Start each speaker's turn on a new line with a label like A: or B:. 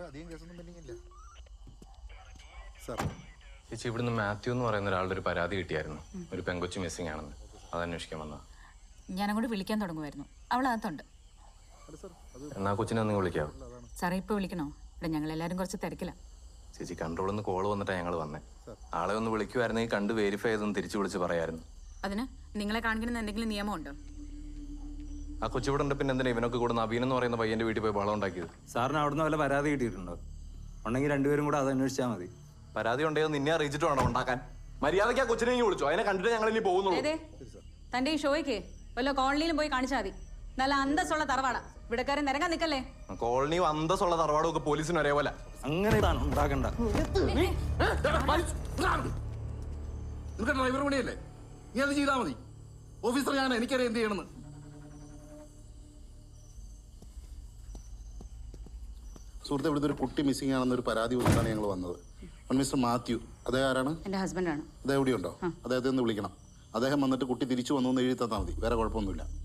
A: അധികം കേസൊന്നും പെൻഡിങ് ഇല്ല സാർ.
B: ചേച്ചി ഇവിടുന്ന് മാത്യു എന്ന് പറയുന്ന ഒരാളുടെ ഒരു പരാതി കിട്ടിയായിരുന്നു. ഒരു പെങ്കൊച്ചു മിസ്സിംഗ് ആണെന്ന്. അത് അന്വേഷിക്കാൻ വന്നാ.
C: ഞാനങ്ങോട്ട് വിളിക്കാൻ തുടങ്ങുമായിരുന്നു. അവളകത്തുണ്ട്.
B: എന്നാ കൊച്ചിനെ ഒന്ന് വിളിക്കാവോ?
C: സാറേ ഇപ്പൊ വിളിക്കണോ? ഇവിടെ ഞങ്ങളെല്ലാരും കുറച്ച് തിരക്കില്ല.
B: ചേച്ചി കൺട്രോളിൽ നിന്ന് കോള് വന്നിട്ടാണ് ഞങ്ങൾ വന്നേ. ആളെ ഒന്ന് വിളിക്കുമായിരുന്നെങ്കിൽ കണ്ട് വെരിഫൈ ചെയ്തൊന്ന് തിരിച്ചു വിളിച്ച് പറയായിരുന്നു.
C: അതിന് നിങ്ങളെ കാണിക്കണമെന്ന് എന്തെങ്കിലും നിയമമുണ്ടോ?
B: ആ കൊച്ചിവിടെ ഉണ്ട്. പിന്നെ എന്തിനാ ഇവനൊക്കെ കൂടെ നവീൻ എന്ന് പറയുന്ന പയ്യന്റെ വീട്ടിൽ പോയി ബഹളം ഉണ്ടാക്കിയത്?
D: സാറിന് അവിടുന്ന് വല്ല പരാതി കിട്ടിയിട്ടുണ്ടോ? ഉണ്ടെങ്കിൽ രണ്ടുപേരും കൂടെ അത് അന്വേഷിച്ചാൽ മതി.
B: പരാതി ഉണ്ടെങ്കിൽ നിന്നെ അറിയിച്ചിട്ട് വേണം ഉണ്ടാക്കാൻ. മര്യാദയ്ക്ക് ആ കൊച്ചിനെ വിളിച്ചു. അതിനെ കണ്ടിട്ട് ഞങ്ങൾ ഇനി പോകുന്നുള്ളൂ.
C: തന്റെ ഈ ഷോയ്ക്ക് വല്ല കോളനിയിലും പോയി കാണിച്ചാൽ മതി. നല്ല അന്തസ്സുള്ള തറവാടാ. ഇവിടെക്കാരെ നിരങ്ങാൻ നിക്കല്ലേ.
B: കോളനി അന്തസ്സുള്ള തറവാടും ഒക്കെ പോലീസിന് ഒരേപോലെ.
D: അങ്ങനെ ഉണ്ടാക്കണ്ട.
A: ഡ്രൈവർ പണിയല്ലേ, നീ അത് ചെയ്താൽ മതി. ഓഫീസർ ഞാൻ, എനിക്കറിയാം എന്ത് ചെയ്യണമെന്ന്. സുഹൃത്തെ, ഇവിടുത്തെ ഒരു കുട്ടി മിസ്സിംഗ് ആണെന്നൊരു പരാതി കൊടുത്താണ് ഞങ്ങൾ വന്നത്. മിസ്റ്റർ മാത്യു, അദ്ദേഹം ആരാണ്?
C: എന്റെ ഹസ്ബൻഡാണ്.
A: അദ്ദേഹം എവിടെയുണ്ടോ? അദ്ദേഹത്തെ ഒന്ന് വിളിക്കണം. അദ്ദേഹം വന്നിട്ട് കുട്ടി തിരിച്ചു വന്നു എന്ന് എഴുതി തന്നാൽ മതി. വേറെ കുഴപ്പമൊന്നുമില്ല.